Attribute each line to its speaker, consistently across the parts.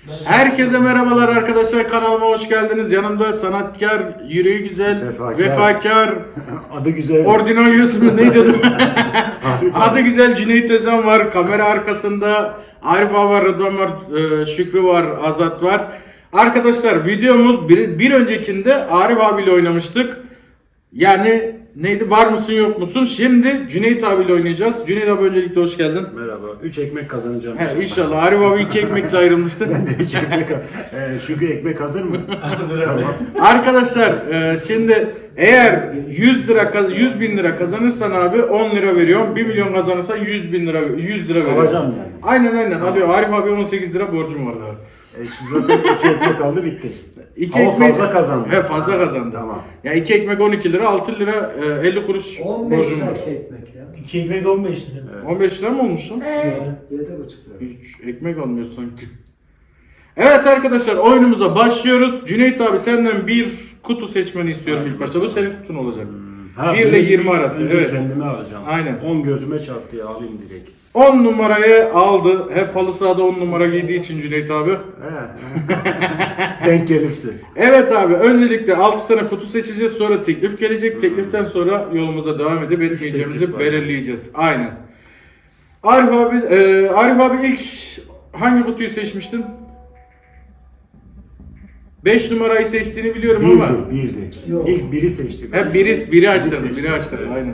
Speaker 1: Herkese merhabalar arkadaşlar, kanalıma hoş geldiniz. Yanımda sanatkar, yüreği güzel, vefakar,
Speaker 2: adı güzel,
Speaker 1: Ordinoyus mu neydi adı? Adı güzel Cüneyt Özen var. Kamera arkasında Arif abi var, Rıdvan var, Şükrü var, Azat var. Arkadaşlar videomuz bir öncekinde Arif abiyle oynamıştık. Yani neydi, var mısın yok musun? Şimdi Cüneyt abiyle oynayacağız. Cüneyt abi öncelikle hoş geldin.
Speaker 2: Merhaba. 3 ekmek kazanacağım.
Speaker 1: He, inşallah. Arif abi 2 ekmekle ayrılmıştı.
Speaker 2: Ben de 3 ekmek. Şükrü ekmek hazır mı?
Speaker 3: Hazır abi.
Speaker 2: Tamam.
Speaker 1: Arkadaşlar şimdi eğer 100 bin lira kazanırsan abi 10 lira veriyorum. 1 milyon kazanırsan 100 bin lira 100 lira veriyorum.
Speaker 2: Alacağım yani.
Speaker 1: Aynen alıyor. Arif abi 18 lira borcum var abi.
Speaker 2: Şu zaten 2 ekmek aldı bitti. Ama
Speaker 1: ekmek-
Speaker 2: fazla kazandı.
Speaker 1: He, fazla kazandı.
Speaker 2: Tamam.
Speaker 1: Ya 2 ekmek 12 lira, 6 lira 50 kuruş
Speaker 4: 15
Speaker 1: borcum
Speaker 4: lira
Speaker 1: var.
Speaker 4: ekmek ya.
Speaker 3: 2 ekmek 15 lira.
Speaker 1: 15 lira mı olmuş lan?
Speaker 4: 7,5 lira.
Speaker 1: Hiç ekmek almıyor sanki. Evet arkadaşlar, oyunumuza başlıyoruz. Cüneyt abi senden bir kutu seçmeni istiyorum ilk başta. Bu senin kutun olacak. 1 ile 20 arası.
Speaker 2: Önce
Speaker 1: Evet.
Speaker 2: kendime alacağım.
Speaker 1: Aynen.
Speaker 2: 10 gözüme çarptı ya, alayım direkt.
Speaker 1: 10 numarayı aldı. Hep halı sahada 10 numara giydiği için Cüneyt abi.
Speaker 2: Denk gelirse.
Speaker 1: Evet abi, öncelikle 6 tane kutu seçeceğiz. Sonra teklif gelecek. Tekliften sonra yolumuza devam edip etmeyeceğimizi
Speaker 2: teklif var.
Speaker 1: belirleyeceğiz. Aynen. Arif abi ilk hangi kutuyu seçmiştin? 5 numarayı seçtiğini biliyorum ama.
Speaker 2: Birdi.
Speaker 4: Yok.
Speaker 2: İlk biri seçtik.
Speaker 1: Hep biri açtırdı.
Speaker 2: seçtim.
Speaker 1: Biri açtırdı. Aynen.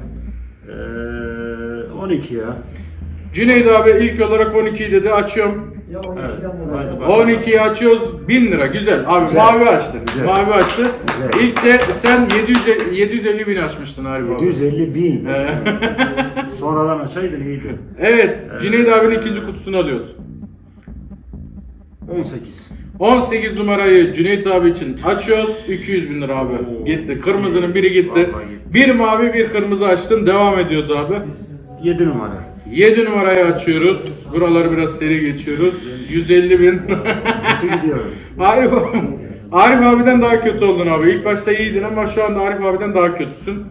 Speaker 2: 12 ya.
Speaker 1: Cüneyt abi ilk olarak 12'yi dedi. Açıyorum.
Speaker 4: Ya 12'den
Speaker 2: Evet,
Speaker 4: bulacağım.
Speaker 2: hadi
Speaker 1: 12'yi açıyoruz. 1000 lira. Güzel. Abi
Speaker 2: Güzel.
Speaker 1: mavi açtı.
Speaker 2: Güzel.
Speaker 1: Mavi açtı.
Speaker 2: Güzel.
Speaker 1: İlk de sen 750 bin açmıştın Arif abi.
Speaker 2: 750 bin. Sonradan açaydın iyiydi.
Speaker 1: Evet. Cüneyt abinin ikinci kutusunu alıyoruz.
Speaker 2: 18.
Speaker 1: 18 numarayı Cüneyt abi için açıyoruz. 200 bin lira abi.
Speaker 2: Oo.
Speaker 1: Gitti. Kırmızının biri gitti.
Speaker 2: Vallahi gitti.
Speaker 1: Bir mavi bir kırmızı açtın. Devam ediyoruz abi.
Speaker 2: 7 numara.
Speaker 1: 7 numarayı açıyoruz. Buraları biraz seri geçiyoruz. 150 bin.
Speaker 2: Kötü gidiyorum.
Speaker 1: Arif abiden daha kötü oldun abi. İlk başta iyiydin ama şu anda Arif abiden daha kötüsün.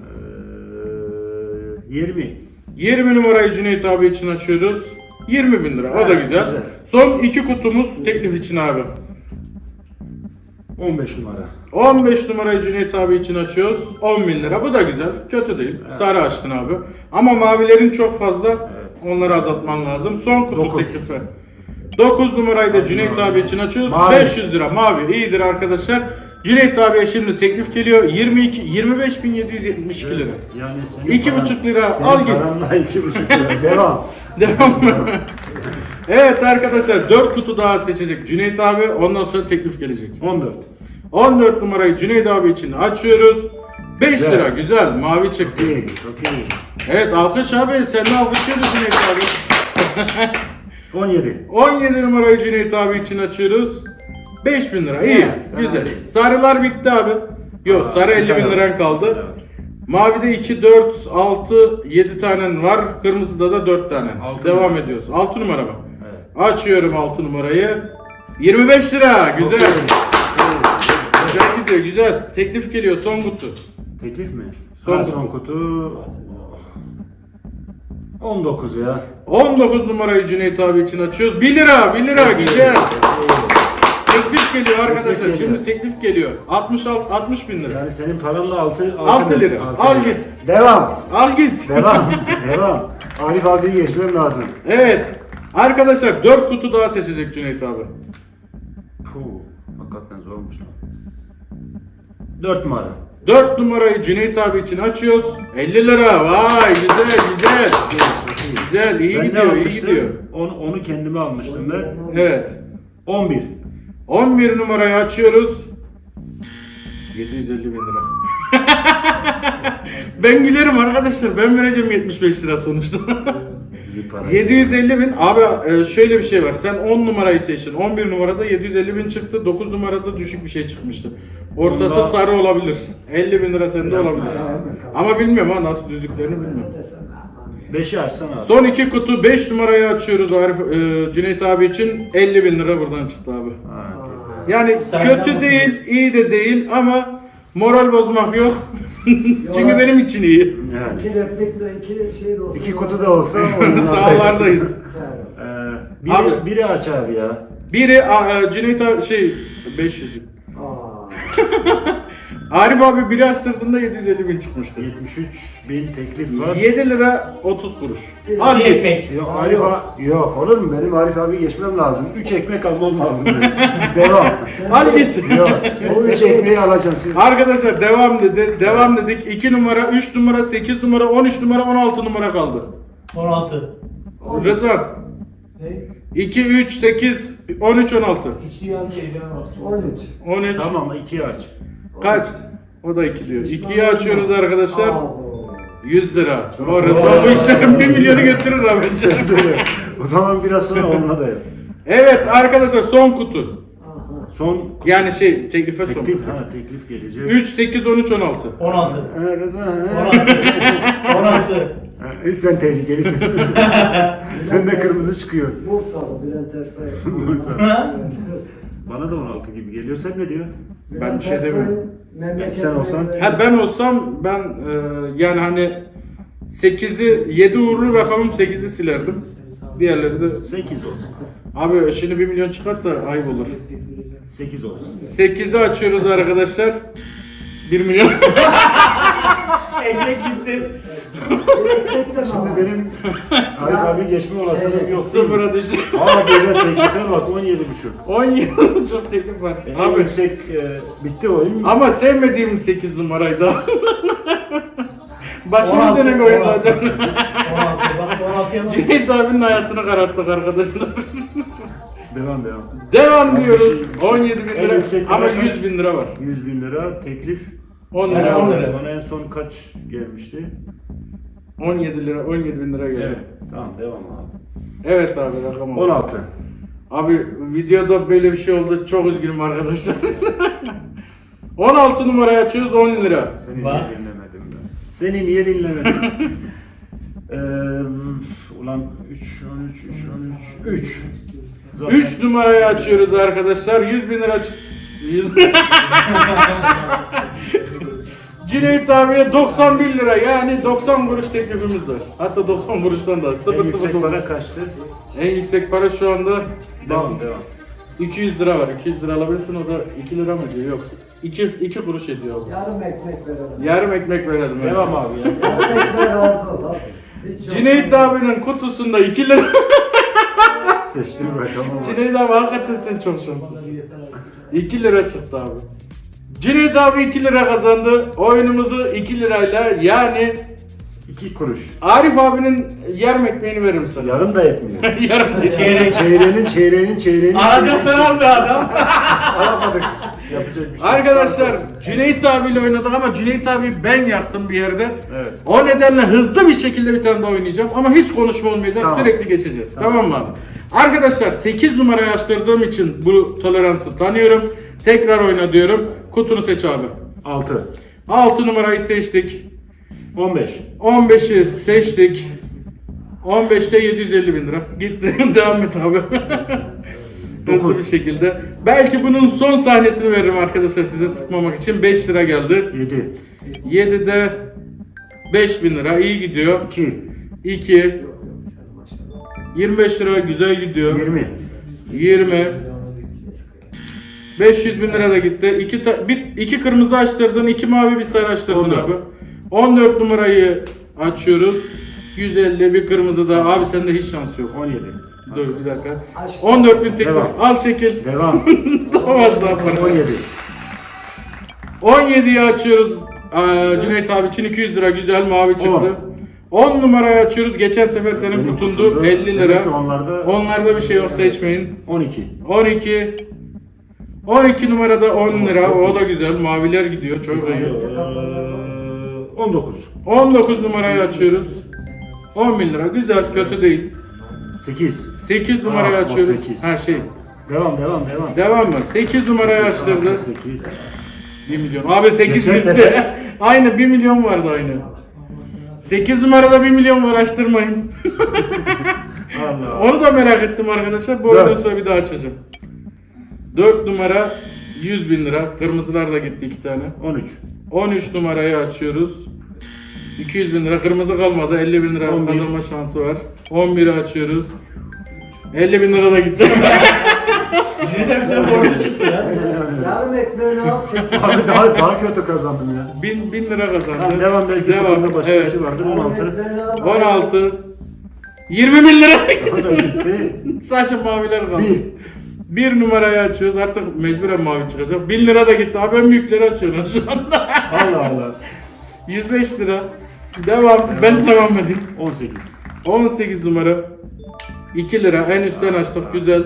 Speaker 2: 20.
Speaker 1: 20 numarayı Cüneyt abi için açıyoruz. 20 bin lira. O da
Speaker 2: Evet,
Speaker 1: güzel.
Speaker 2: güzel.
Speaker 1: Son iki kutumuz teklif için abi.
Speaker 2: 15 numara.
Speaker 1: 15 numarayı Cüneyt abi için açıyoruz. 10 bin lira. Bu da güzel. Kötü değil. Sarı açtın abi. Ama mavilerin çok fazla. Onları azaltman lazım. Son kutu
Speaker 2: 9.
Speaker 1: teklifi. 9 numarayı da Cüneyt abi için açıyoruz.
Speaker 2: Mavi.
Speaker 1: 500 lira. Mavi. İyidir arkadaşlar. Cüneyt abiye şimdi teklif geliyor. 25.772 lira.
Speaker 2: Yani senin
Speaker 1: 2,5 lira,
Speaker 2: senin
Speaker 1: al git.
Speaker 2: paranla 2,5 lira. Devam.
Speaker 1: Devam mı? Evet arkadaşlar, 4 kutu daha seçecek Cüneyt abi. Ondan sonra teklif gelecek.
Speaker 2: 14.
Speaker 1: 14 numarayı Cüneyt abi için açıyoruz. 5
Speaker 2: Güzel.
Speaker 1: lira. Güzel. Mavi çıktı.
Speaker 2: İyi. Çok iyi.
Speaker 1: Evet, alkış abi. Sen de alkışlıyoruz Cüneyt abi.
Speaker 2: 17.
Speaker 1: 17 numarayı Cüneyt abi için açıyoruz. 5000 lira. İyi.
Speaker 2: Fena
Speaker 1: Güzel.
Speaker 2: değil.
Speaker 1: Sarılar bitti abi. Yok, sarı
Speaker 2: bir
Speaker 1: 50 bin
Speaker 2: tane
Speaker 1: liran
Speaker 2: var.
Speaker 1: kaldı.
Speaker 2: Evet.
Speaker 1: Mavide 2, 4, 6, 7 tane var. Kırmızıda da 4 tane.
Speaker 2: Altı
Speaker 1: Devam
Speaker 2: numara.
Speaker 1: ediyoruz. 6 numara mı?
Speaker 2: Evet.
Speaker 1: Açıyorum 6 numarayı. 25 lira. Güzel. Güzel gidiyor. Güzel. Teklif geliyor. Son kutu.
Speaker 2: Teklif mi?
Speaker 1: Son
Speaker 2: Son kutu. 19 ya.
Speaker 1: 19 numarayı Cüneyt abi için açıyoruz. 1 lira. 1 lira. Güzel. Teklif geliyor arkadaşlar.
Speaker 2: geliyor.
Speaker 1: Şimdi teklif geliyor. 60 bin lira.
Speaker 2: Yani senin paranla 6
Speaker 1: 6 lira. Al git.
Speaker 2: Devam.
Speaker 1: Al git.
Speaker 2: Devam. Devam. Arif abiyi geçmem lazım.
Speaker 1: Evet. Arkadaşlar 4 kutu daha seçecek Cüneyt abi.
Speaker 2: Puh. Hakikaten zormuş lan. 4 numara.
Speaker 1: 4 numarayı Cüneyt abi için açıyoruz. 50 lira. Vay güzel güzel. Güzel, iyi
Speaker 2: Ben ne
Speaker 1: gidiyor, iyi
Speaker 2: almıştım?
Speaker 1: gidiyor.
Speaker 2: Onu kendime almıştım ben.
Speaker 1: Evet.
Speaker 2: 11.
Speaker 1: 11 numarayı açıyoruz. 750 bin lira. Ben gülerim arkadaşlar. Ben vereceğim 75 lira sonuçta.
Speaker 2: İyi para.
Speaker 1: 750 bin. Abi şöyle bir şey var. Sen 10 numarayı seçtin. 11 numarada 750 bin çıktı. 9 numarada düşük bir şey çıkmıştı. Ortası
Speaker 2: Bunda-
Speaker 1: sarı olabilir. 50 bin lira sende olabilir. Ama bilmiyorum ha, nasıl düzüklerini bilmiyorum.
Speaker 4: Ne desem aman.
Speaker 2: 5'i açsana abi.
Speaker 1: Son iki kutu 5 numarayı açıyoruz Arif, Cüneyt abi için. 50 bin lira buradan çıktı abi.
Speaker 2: Ha,
Speaker 1: Yani
Speaker 3: Senden
Speaker 1: kötü
Speaker 3: bakın.
Speaker 1: değil, iyi de değil ama moral bozmak yok. Çünkü benim için iyi.
Speaker 2: yani.
Speaker 4: 2 replikle 2 şey de olsa.
Speaker 2: 2 kutu da olsa
Speaker 1: Sahalardayız.
Speaker 4: Sağ ol.
Speaker 2: Biri,
Speaker 1: Abi.
Speaker 2: biri aç abi ya.
Speaker 1: Biri Cüneyt abi 500 bin.
Speaker 4: Aa.
Speaker 1: Arif abi biri açtırdığında 750 bin çıkmıştı.
Speaker 2: 73.000 teklif var.
Speaker 1: 7 lira 30 kuruş.
Speaker 4: Bir
Speaker 1: Al git.
Speaker 3: ekmek.
Speaker 2: Yok Arif abi, yok olur mu? Benim Arif abi geçmem lazım. 3 ekmek almam lazım. Devam.
Speaker 1: Al git.
Speaker 2: Yok. O 3 ekmeği alacağım. Siz...
Speaker 1: Arkadaşlar devam dedi. Devam dedik. 2 numara, 3 numara, 8 numara, 13 numara, 16 numara kaldı.
Speaker 3: 16.
Speaker 1: Rıdvan.
Speaker 3: Ne?
Speaker 1: 2, 3, 8, 13, 16.
Speaker 3: 2 yaz eyleme bastım.
Speaker 4: 13.
Speaker 1: 13.
Speaker 2: Tamam 2 aç.
Speaker 1: Kaç? O da 2 diyor. 2'yi açıyoruz arkadaşlar.
Speaker 4: Abo.
Speaker 1: 100 lira. O Rıdvan bu işlerin 1 milyonu götürür abi.
Speaker 2: O zaman biraz sonra onunla da yap.
Speaker 1: Evet arkadaşlar son kutu.
Speaker 4: Aha.
Speaker 2: Son
Speaker 1: Yani teklife son
Speaker 2: teklif,
Speaker 1: kutu.
Speaker 2: teklif gelecek.
Speaker 1: 3, 8, 13, 16.
Speaker 3: 16.
Speaker 2: Rıdvan,
Speaker 3: 16.
Speaker 2: Sen tehlikelisin. Sen de kırmızı çıkıyor.
Speaker 4: Bursalı Bülent Ersoy.
Speaker 3: Ha?
Speaker 2: Bana da 16 gibi geliyor. Sen ne diyor?
Speaker 1: Ben bir şey demiyorum.
Speaker 2: Sen olsan-
Speaker 1: Ha ben olsam ben yani hani 8'i 7 uğurlu rakamım 8'i silerdim. Diğerleri de
Speaker 2: 8 olsun.
Speaker 1: abi şimdi 1 milyon çıkarsa ayıp olur.
Speaker 2: 8 olsun.
Speaker 1: 8'i açıyoruz arkadaşlar. 1 milyon.
Speaker 3: Ekmek gitti.
Speaker 2: Şimdi benim Arif abi geçme olasılığı yok değil mi?
Speaker 1: Sıfıra düştü.
Speaker 2: Aa böyle teklife bak 17,5.
Speaker 1: 17 çok teklif var.
Speaker 2: En
Speaker 1: Abi
Speaker 2: yüksek bitti oyun.
Speaker 1: ama sevmediğim 8 numaraydı. Başımı
Speaker 3: 16,
Speaker 1: denek oyunda
Speaker 3: 16.
Speaker 1: hocam.
Speaker 3: 16. Bak 16'ya bak.
Speaker 1: Cüneyt abinin hayatını kararttık arkadaşlar.
Speaker 2: Devam.
Speaker 1: Devam diyoruz.
Speaker 2: şey-
Speaker 1: 17 bin
Speaker 2: en
Speaker 1: lira
Speaker 2: yüksek
Speaker 1: ama
Speaker 2: rakam-
Speaker 1: 100 bin lira var.
Speaker 2: 100.000 lira teklif.
Speaker 1: 10
Speaker 3: Yani
Speaker 1: lira
Speaker 3: 10
Speaker 1: var.
Speaker 3: lira.
Speaker 2: Bana en son kaç gelmişti?
Speaker 1: 17 lira, 17 bin lira geldi.
Speaker 2: Evet. Tamam devam abi.
Speaker 1: Evet abi rakam oldu.
Speaker 2: 16.
Speaker 1: Abi videoda böyle bir şey oldu. Çok üzgünüm arkadaşlar. 16 numarayı açıyoruz 10 lira.
Speaker 2: Seni
Speaker 3: Bak.
Speaker 2: niye dinlemedim ben? Seni niye dinlemedim? Ulan 3, 13, 3.
Speaker 1: 3 numarayı açıyoruz arkadaşlar. 100 bin lira 100 Cüneyt abiye 91 lira yani 90 kuruş teklifimiz var. Hatta 90 kuruştan da az.
Speaker 2: En yüksek
Speaker 1: 0,09.
Speaker 2: para kaçtı?
Speaker 1: En yüksek para şu anda
Speaker 2: Devam.
Speaker 1: 200 lira var. 200 lira alabilirsin o da 2 lira mı diyor? Yok. 2 kuruş ediyor.
Speaker 4: Yarım ekmek verelim.
Speaker 1: Yarım ekmek verelim. evet.
Speaker 2: Devam abi ya.
Speaker 4: Yarım ekmeğe razı ol abi. Hiç yok.
Speaker 1: Cüneyt abinin kutusunda 2 lira.
Speaker 2: Seçtim rakamı var.
Speaker 1: Cüneyt abi hakikaten sen çok şanslısın. 2 lira çıktı abi. Cüneyt abi 2 lira kazandı. Oyunumuzu 2 lirayla yani
Speaker 2: 2 kuruş.
Speaker 1: Arif abinin yarım ekmeğini veririm sana.
Speaker 2: Yarım da etmiyor.
Speaker 1: Yarım değil.
Speaker 3: Çeyrek.
Speaker 2: Çeyreğinin.
Speaker 3: Alacaksan al be adam.
Speaker 2: Alamadık. Yapacak bir şey.
Speaker 1: Arkadaşlar
Speaker 2: Sağ olsun.
Speaker 1: Cüneyt abiyle oynadık ama Cüneyt abi ben yaktım bir yerde.
Speaker 2: Evet.
Speaker 1: O nedenle hızlı bir şekilde bir tane daha oynayacağım ama hiç konuşma olmayacak.
Speaker 2: Tamam.
Speaker 1: Sürekli geçeceğiz. Tamam mı abi? Arkadaşlar 8 numarayı açtırdığım için bu toleransı tanıyorum. Tekrar oyna diyorum. Kutunu seç abi.
Speaker 2: 6.
Speaker 1: 6 numarayı seçtik.
Speaker 2: 15.
Speaker 1: 15'i seçtik. 15'te 750 bin lira. Gitti. Devam et abi. Hızlı
Speaker 2: Dokuz.
Speaker 1: bir şekilde. Belki bunun son sahnesini veririm arkadaşlar size sıkmamak için. 5 lira geldi.
Speaker 2: 7.
Speaker 1: 7'de 5 bin lira. İyi gidiyor.
Speaker 2: 2.
Speaker 1: 2. 25 lira güzel gidiyor.
Speaker 2: 20.
Speaker 1: 20. 500 bin lira da gitti. 2 kırmızı açtırdın, 2 mavi bir sarı açtırdın
Speaker 2: 14.
Speaker 1: abi. 14 numarayı açıyoruz. 150 bir kırmızı da. Abi sende hiç şans yok.
Speaker 2: 17.
Speaker 1: Dur bir dakika.
Speaker 4: Aşk.
Speaker 1: 14 bin teklif.
Speaker 2: Devam.
Speaker 1: Al çekil.
Speaker 2: Devam.
Speaker 1: Daha az daha para.
Speaker 2: 17.
Speaker 1: 17'yi açıyoruz. Cüneyt abi için 200 lira güzel mavi çıktı.
Speaker 2: 10.
Speaker 1: 10 numarayı açıyoruz. Geçen sefer senin
Speaker 2: Benim
Speaker 1: kutundu
Speaker 2: kutumda
Speaker 1: 50
Speaker 2: demek
Speaker 1: lira.
Speaker 2: ki onlarda
Speaker 1: Onlarda bir şey yok seçmeyin.
Speaker 2: 12.
Speaker 1: 12. 12 numarada 10 lira. O da güzel. Maviler gidiyor. Çok iyi.
Speaker 2: 19.
Speaker 1: 19 numarayı açıyoruz. 10 bin lira. Güzel. Kötü değil.
Speaker 2: 8.
Speaker 1: 8 numarayı
Speaker 2: Ah, o
Speaker 1: açıyoruz.
Speaker 2: 8.
Speaker 1: Ha şey.
Speaker 2: Devam.
Speaker 1: Devam mı? 8 numarayı açtırdı.
Speaker 2: 8.
Speaker 1: 1 milyon. Abi 8
Speaker 2: Geçen
Speaker 1: bizde.
Speaker 2: sefer-
Speaker 1: Aynı 1 milyon vardı aynı. 8 numarada 1 milyon var açtırmayın.
Speaker 2: Allah.
Speaker 1: Onu da merak ettim arkadaşlar. Bu
Speaker 2: Dört.
Speaker 1: oyundan sonra bir daha açacağım. 4 numara 100 bin lira. Kırmızılar da gitti 2 tane.
Speaker 2: 13.
Speaker 1: 13 numarayı açıyoruz. 200 bin lira. Kırmızı kalmadı. 50 bin lira
Speaker 2: 11.
Speaker 1: kazanma şansı var. 11'i açıyoruz. 50 bin lira da gitti.
Speaker 3: Cüneyt abi sen borcu çıktı ya.
Speaker 4: Yarım ekmeğini al çek.
Speaker 2: Abi daha kötü kazandım ya.
Speaker 1: 1000 lira kazandı.
Speaker 2: Tamam devam, belki
Speaker 1: Devam.
Speaker 2: başka
Speaker 1: Evet.
Speaker 2: bir şey vardır.
Speaker 4: Yarım
Speaker 2: 16.
Speaker 4: ekmeğini al.
Speaker 1: 16 20 bin lira.
Speaker 2: O da gitti.
Speaker 1: Sadece maviler kaldı.
Speaker 2: 1.
Speaker 1: Bir numarayı açıyoruz. Artık mecburen mavi çıkacak. 1000 lira da gitti. Abi ben büyükleri açıyorum şu anda.
Speaker 2: Allah Allah.
Speaker 1: 105 lira. Devam. Ben devam edeyim.
Speaker 2: 18.
Speaker 1: 18 numara. 2 lira. En üstten açtık. Güzel.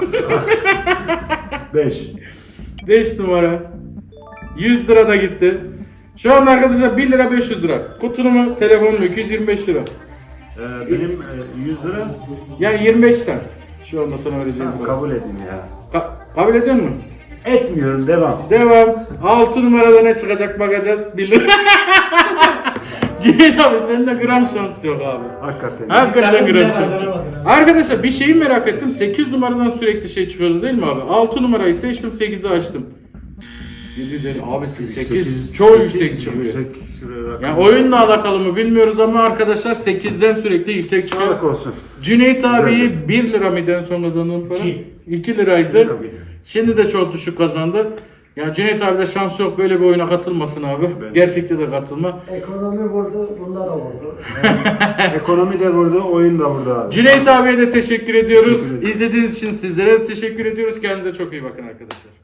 Speaker 2: 5.
Speaker 1: 5 numara. 100 lira da gitti. Şu anda arkadaşlar 1 lira 500 lira. Kutunu mu? Telefonu mu? 225 lira.
Speaker 2: Benim 100 lira
Speaker 1: Yani 25 cent. Şu anda sana vereceğim para.
Speaker 2: kabul edin ya.
Speaker 1: Kabul ediyor musun?
Speaker 2: Etmiyorum, devam.
Speaker 1: Devam. 6 numarada ne çıkacak bakacağız. 1 lira. Cüneyt abi senin de gram şans yok abi.
Speaker 2: Hakikaten.
Speaker 1: Hakikaten
Speaker 3: Sen
Speaker 1: gram
Speaker 3: de
Speaker 1: şans
Speaker 3: hazır
Speaker 1: yok.
Speaker 3: bakın.
Speaker 1: Arkadaşlar bir şeyi merak ettim. 8 numaradan sürekli şey çıkıyordu değil mi abi? 6 numarayı seçtim, 8'i açtım. 750 abi 8 çok yüksek çıkıyor.
Speaker 2: Yüksek rakam.
Speaker 1: Yani oyunla alakalı mı bilmiyoruz ama arkadaşlar 8'den sürekli yüksek çıkıyor.
Speaker 2: Sağlık olsun.
Speaker 1: Cüneyt abiyi 1 lira mıydı en son kazandığım para? 2 liraydı.
Speaker 2: Tabii.
Speaker 1: Şimdi de çok düşük kazandı. Ya Cüneyt abi de şansı yok, böyle bir oyuna katılmasın abi.
Speaker 2: Ben-
Speaker 1: Gerçekte de katılma.
Speaker 4: Ekonomi vurdu, bunda da vurdu.
Speaker 2: Ekonomi de vurdu, oyun da vurdu abi.
Speaker 1: Cüneyt abiye de teşekkür ediyoruz.
Speaker 2: Teşekkür ederim.
Speaker 1: İzlediğiniz için sizlere de teşekkür ediyoruz. Kendinize çok iyi bakın arkadaşlar.